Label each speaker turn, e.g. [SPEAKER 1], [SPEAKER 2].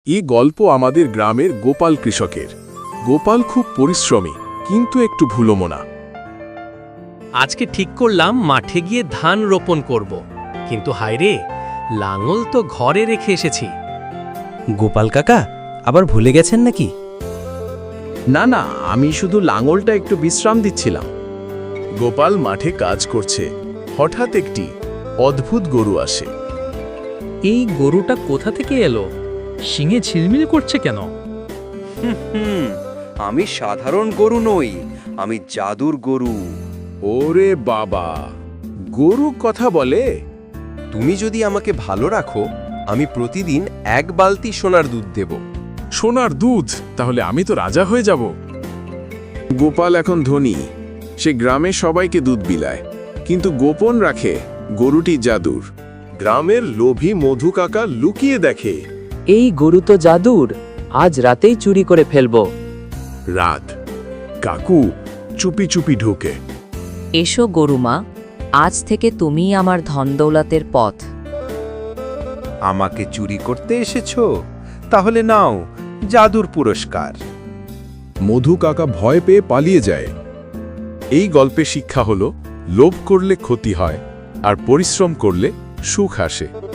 [SPEAKER 1] এই গল্প আমাদের গ্রামের গোপাল কৃষকের। গোপাল খুব পরিশ্রমী, কিন্তু একটু ভুলোমনা।
[SPEAKER 2] আজকে ঠিক করলাম মাঠে গিয়ে ধান রোপণ করব, কিন্তু হায়রে, লাঙল তো ঘরে রেখে এসেছি।
[SPEAKER 3] গোপাল কাকা আবার ভুলে গেছেন নাকি?
[SPEAKER 4] না না, আমি শুধু লাঙলটা একটু বিশ্রাম দিচ্ছিলাম।
[SPEAKER 1] গোপাল মাঠে কাজ করছে, হঠাৎ একটি অদ্ভুত গরু আসে।
[SPEAKER 5] এই গরুটা কোথা থেকে এলো? শিঙে ঝিলমিল করছে কেন?
[SPEAKER 6] আমি সাধারণ গরু নই, আমি জাদুর গরু।
[SPEAKER 1] ওরে বাবা, গরু কথা বলে?
[SPEAKER 6] তুমি যদি আমাকে ভালো রাখো, আমি প্রতিদিন 1 বালতি সোনার দুধ দেব।
[SPEAKER 1] সোনার দুধ? তাহলে আমি তো রাজা হয়ে যাব। গোপাল এখন ধনী, সে গ্রামে সবাইকে দুধ বিলায়, কিন্তু গোপন রাখে গরুটি জাদুর। গ্রামের লোভী মধু কাকা লুকিয়ে দেখে।
[SPEAKER 7] এই গরু তো জাদুর, আজ রাতেই চুরি করে ফেলবো।
[SPEAKER 1] রাত, কাকু চুপি চুপি ঢোকে।
[SPEAKER 8] এসো গরুমা, আজ থেকে তুমিই আমার ধনদৌলতের পথ।
[SPEAKER 6] আমাকে চুরি করতে এসেছো? তাহলে নাও জাদুর পুরস্কার।
[SPEAKER 1] মধু কাকা ভয় পেয়ে পালিয়ে যায়। এই গল্পে শিক্ষা হলো, লোভ করলে ক্ষতি হয়, আর পরিশ্রম করলে সুখ আসে।